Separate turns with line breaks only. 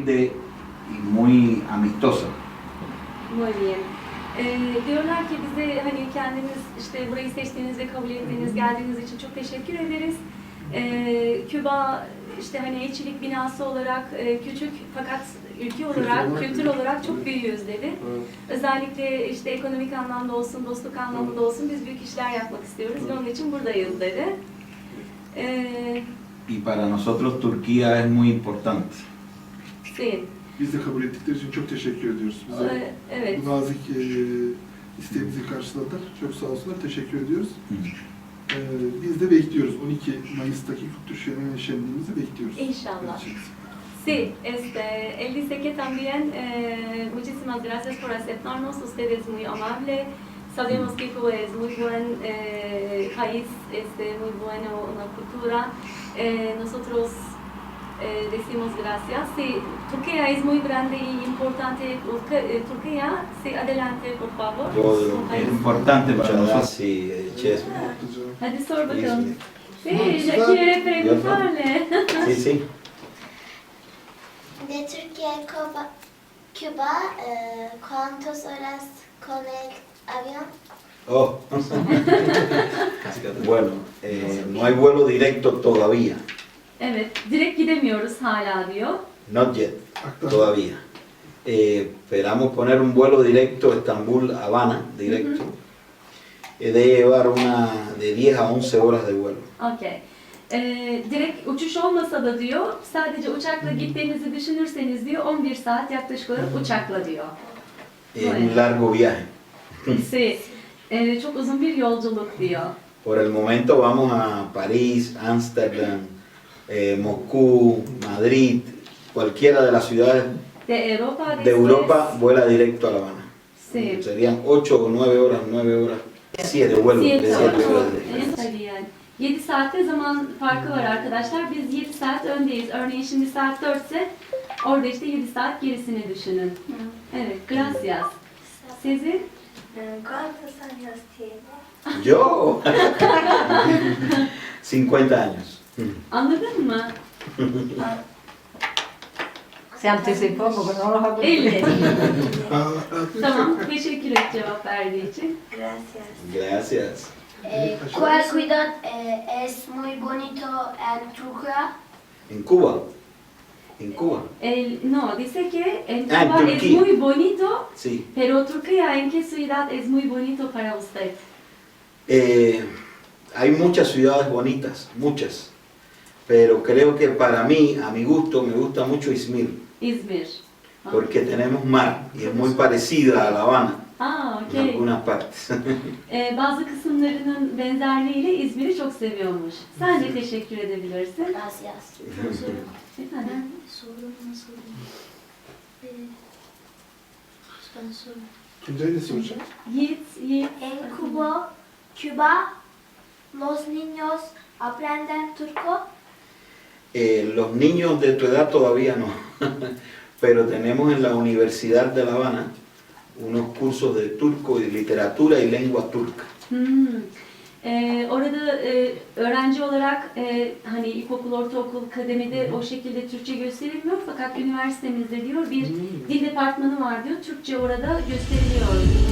humilde y muy amistosa.
Muy bien. Diyorlar ki bize hani kendiniz işte burayı seçtiğiniz ve kabul ettiğiniz, geldiğiniz için çok teşekkür ederiz. Küba işte hani elçilik binası olarak küçük fakat ülke olarak, kültür olarak çok büyüğüz dedi. Özellikle işte ekonomik anlamda olsun, dostluk anlamında olsun biz büyük işler yapmak istiyoruz ve onun için buradayız dedi.
Y para nosotros Turquía es muy importante.
Sí.
Biz de kabul ettikleri için çok teşekkür ediyoruz. Bize
Evet.
bu nazik isteğimizi karşıladılar. Çok sağ olsunlar, teşekkür ediyoruz. Biz de bekliyoruz. 12 Mayıs'taki Kültür Şenliğimizi bekliyoruz.
İnşallah. Sí, él dice que también muchísimas gracias por aceptarnos, ustedes muy amable. Sabemos que Cuba es muy buen país, muy buena una cultura. Nosotros decimos gracias. Sí, Turquía es muy grande y importante. Turquía, sí, adelante, por favor.
Es importante para nosotros.
Sí, Chesme.
Hadi sor bakalım. Sí,
Sí,
ya quiere preguntarle.
Sí, sí.
De Turquía a Cuba, ¿cuántas horas con el avión?
Oh. Bueno, no hay vuelo directo todavía.
Evet, direkt gidemiyoruz hala diyor.
Not yet, todavía. Esperamos poner un vuelo directo Estambul-Habana, directo. De llevar una de 10 a 11 horas de vuelo.
Okay. Direkt uçuş olmasa da diyor, sadece uçakla gittiğinizi düşünürseniz diyor, 11 saat yaklaşık olarak uçakla diyor.
Es un largo viaje.
Sí. Çok uzun bir yolculuk diyor.
Por el momento vamos a París, Ámsterdam, Moscú, Madrid, cualquiera de las ciudades de Europa vuela directo a La Habana.
Sí.
Serían 8 o 9 horas, 9 horas, 7 vuelos. de 7 horas de-
7 saatte zaman farkı var arkadaşlar. Biz 7 saat öndeyiz. Örneğin şimdi saat 4 ise orada işte 7 saat gerisini düşünün. Evet, gracias. Sizin?
¿Cuántos años tiene?
Yo, 50 años.
Anladın mı?
Se anticipó porque no los ha
50. Tamam, teşekkür et cevap verdiği için.
Gracias.
Gracias.
¿Cuál ciudad es muy bonito en Turquía?
En Cuba. En Cuba.
No, dice que en
Ah, en
Cuba es
Turquía.
muy bonito,
Sí.
pero Turquía, ¿en qué ciudad es muy bonito para usted?
Hay muchas ciudades bonitas, muchas. Pero creo que para mí, a mi gusto, me gusta mucho Izmir.
İzmir.
Porque tenemos mar y es muy parecida a La Habana
Aa,
en
okey.
algunas partes.
Bazı kısımlarının benzerliğiyle İzmir'i çok seviyormuş. Sen de teşekkür edebilirsin.
Gracias.
Efendim?
Sorum nasıl? Ben sorum.
Tuncay ne soracak?
Yiğit.
En Cuba, los niños aprenden turco.
Los niños de tu edad todavía no, pero tenemos en la Universidad de La Habana unos cursos de turco y literatura y lengua turca.
Orada öğrenci olarak hani ilkokul, ortaokul, kademede o şekilde Türkçe gösterilmiyor fakat üniversitemizde diyor bir dil departmanı var diyor. Türkçe orada gösteriliyor.